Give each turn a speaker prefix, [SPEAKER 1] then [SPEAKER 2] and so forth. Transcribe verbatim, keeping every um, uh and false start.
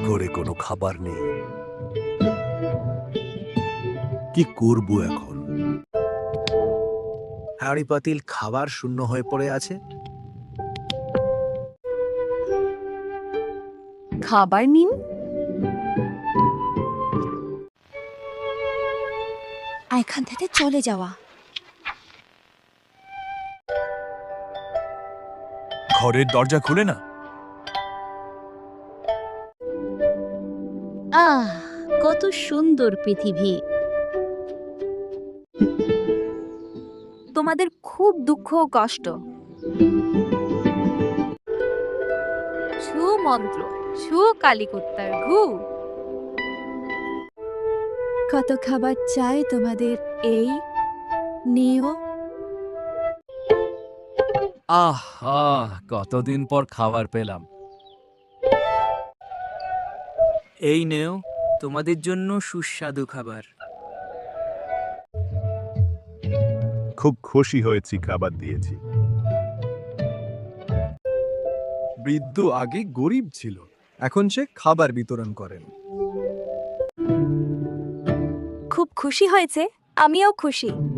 [SPEAKER 1] ঘরে কোনো খাবার নেই। কি করব এখন? হাঁড়ি পাতিল খাবার শূন্য হয়ে পড়ে আছে।
[SPEAKER 2] খাবার নিন।
[SPEAKER 3] এখান থেকে চলে যাওয়া।
[SPEAKER 4] ঘরের দরজা খুলে না।
[SPEAKER 5] আহ, কত সুন্দর পৃথিবী।
[SPEAKER 3] তোমাদের খুব দুঃখ ও কষ্ট। সুমন্ত্র, সু কালীকুত্তার ঘু। কত খাবার চাই তোমাদের, এই নিও।
[SPEAKER 6] আহ আহ কতদিন পর খাবার পেলাম।
[SPEAKER 7] এই নেও তোমাদের জন্য সুস্বাদু খাবার।
[SPEAKER 1] খুব খুশি হয়েছি খাবার দিয়েছি।
[SPEAKER 8] বৃদ্ধ আগে গরিব ছিল, এখন সে খাবার বিতরণ করেন।
[SPEAKER 3] খুব খুশি হয়েছে, আমিও খুশি।